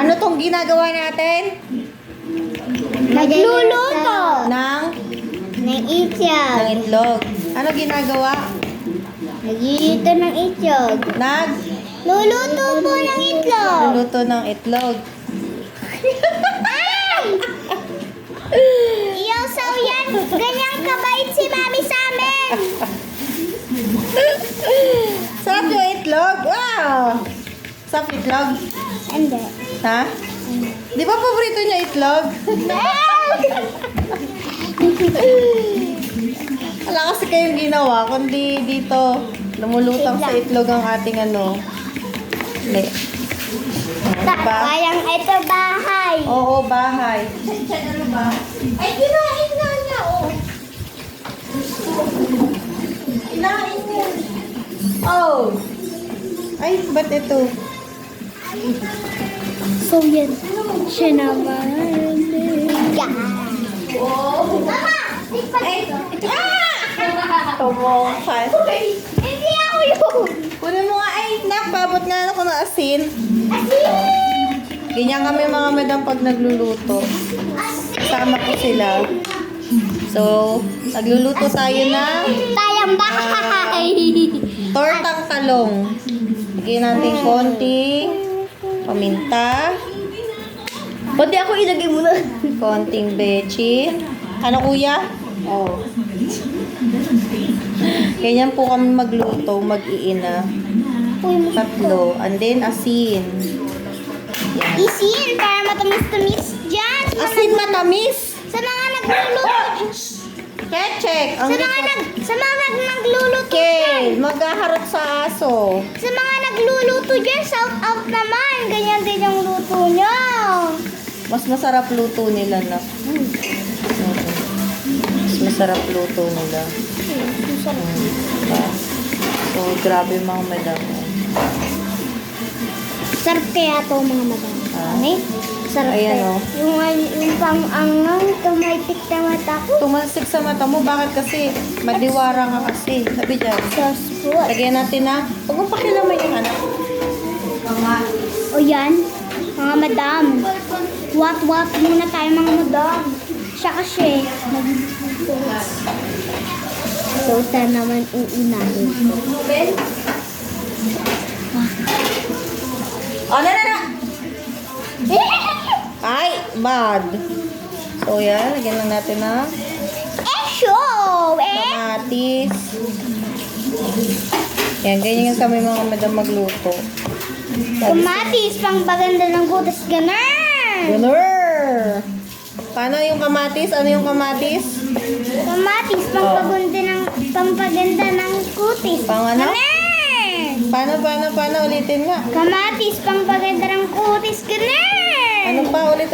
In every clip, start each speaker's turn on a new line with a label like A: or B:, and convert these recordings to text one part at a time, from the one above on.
A: Ano tong ginagawa natin?
B: Nagluluto
A: Ng
B: ng itlog.
A: itlog. Ano ginagawa?
B: Nagluluto ng itlog. Luluto po ng itlog.
A: Luluto ng itlog.
B: Ay! Iyosaw yan. Ganyang kabait si Mami sa amin.
A: Sarap yung itlog. Wow! Sarap itlog.
B: Hindi.
A: Ha? Di ba paborito niya itlog? Wala kasi kayong ginawa, kundi dito lumulutang sa itlog ang ating ano. Hindi. Diba?
B: Kayang ito bahay.
A: Oo, bahay. Ano ba? Ay, kinain nga niya, oh. Kinain niya. Oh. Ay, ba't ito?
B: So yan. Siya naman. Mama!
A: Ay! Tumungkal.
B: Hindi ako yun.
A: Kunin mo nga, ay, napabot nga ako ng asin. Ganyan kami mga madam pag nagluluto. Kasama ko sila. So, nagluluto tayo ng
B: Tayang bahay.
A: tortang talong. Lagyan natin konting paminta.
B: Pati ako ilagay mo na.
A: Konting bechi. Ano kuya? Oh. Ganyan po kami magluto, mag-iina. Tatlo. And then asin. Yan.
B: Isin para matamis-tamis dyan.
A: Asin matamis.
B: Sa mga nagluluto.
A: Kechek. Ang
B: Sa mga nagluluto
A: Okay,
B: dyan.
A: maghaharot sa aso.
B: Sa mga nagluluto dyan, shout out naman. Ganyan din yung luto nyo.
A: Mas masarap luto nila na. Mas masarap luto nila. Diba? So, grabe mga madam.
B: Sarap kaya to mga madam.
A: Ah.
B: Sarap
A: Ayan,
B: kaya.
A: oh.
B: Yung pang-angang, tumitik na mata ko.
A: Tumalsik sa mata mo. Bakit kasi? Madiwara ka kasi. Sabi dyan.
B: Sauce po.
A: Lagyan natin na. Huwag mong pakilaman yung anak.
B: O yan, mga madam. Wat-wat muna tayo mga madam. Siya kasi, nagluluto. So, saan naman uunahin ko?
A: Oh, na! Ay, bad. So, yan. Lagyan lang natin na
B: Show!
A: kamatis. Yan, ganyan kami mga madam magluto.
B: Kamatis, pang baganda ng butas, ganun!
A: Gunner! Paano yung kamatis? Ano yung kamatis?
B: Kamatis, pampaganda ng kutis.
A: Pang ano?
B: Ganun!
A: Paano? Ulitin nga.
B: Kamatis, pampaganda ng kutis, ganun!
A: Ano pa? Ulit.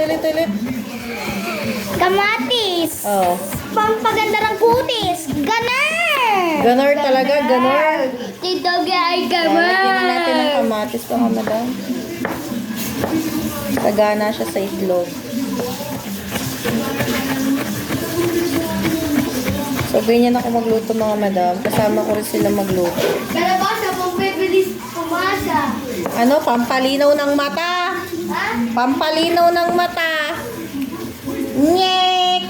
B: Kamatis,
A: Oh.
B: pampaganda ng kutis, ganun!
A: Gunner talaga, gunner.
B: Tito ay
A: Lagyan na natin ng kamatis pa, madam. Sagana siya sa itlog. So, ganyan ako magluto mga madam. Kasama ko rin sila magluto.
B: Kalabasa, pampibilis pumasa.
A: Ano? Pampalinaw ng mata.
B: Ha?
A: Pampalinaw ng mata. Nyek!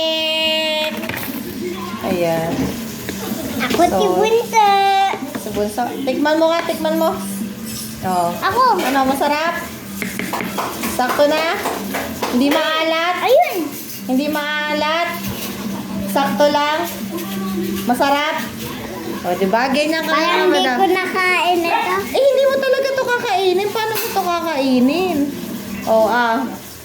A: Ayan.
B: Ako
A: So,
B: si Bunta.
A: Sa bunso. Tikman mo. Oh.
B: Ako.
A: Ano, masarap? Sakto na? Hindi maalat?
B: Ayun.
A: Hindi maalat? Sakto lang? Masarap? O, diba? Ganyan ka
B: Parang
A: mga
B: hindi
A: madam.
B: ko nakain ito.
A: Eh, hindi mo talaga to kakainin. Paano mo to kakainin? Oh, ah.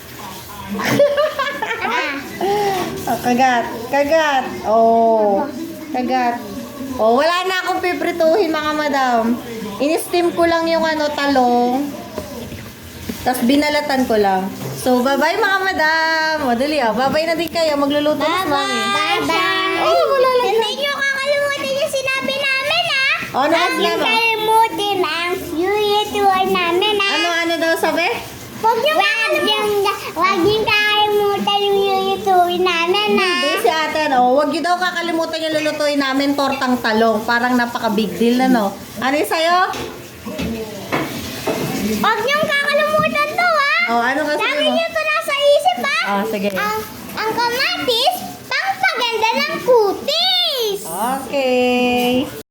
A: Oh, kagat. Oh, kagat. Oh, wala na akong piprituhin mga madam. In-steam ko lang yung talong. Tapos binalatan ko lang. So, bye-bye mga madam. O, dali bye-bye na din kayo. Magluluto na si mami.
B: Bye-bye.
A: Oh, wala lang.
B: Hindi nyo kakalimutan yung sinabi namin, ha?
A: Oh, ano
B: Huwag nyo
A: sinabi?
B: kalimutan ang YouTube namin, ha?
A: Ano daw sabi?
B: Huwag nyo kakalimutan yung YouTube namin, ha?
A: Hindi si ate, huwag yun daw kakalimutan yung lulutuin namin tortang talong. Parang napaka-big deal na, no? Ano yung sa'yo?
B: Huwag nyo kakalimutan to, ha?
A: Oh, ano kasi
B: Lagi
A: mo?
B: niyo ito nasa isip, ha?
A: Oh, sige.
B: Ang kamatis, pangpaganda ng kutis.
A: Okay.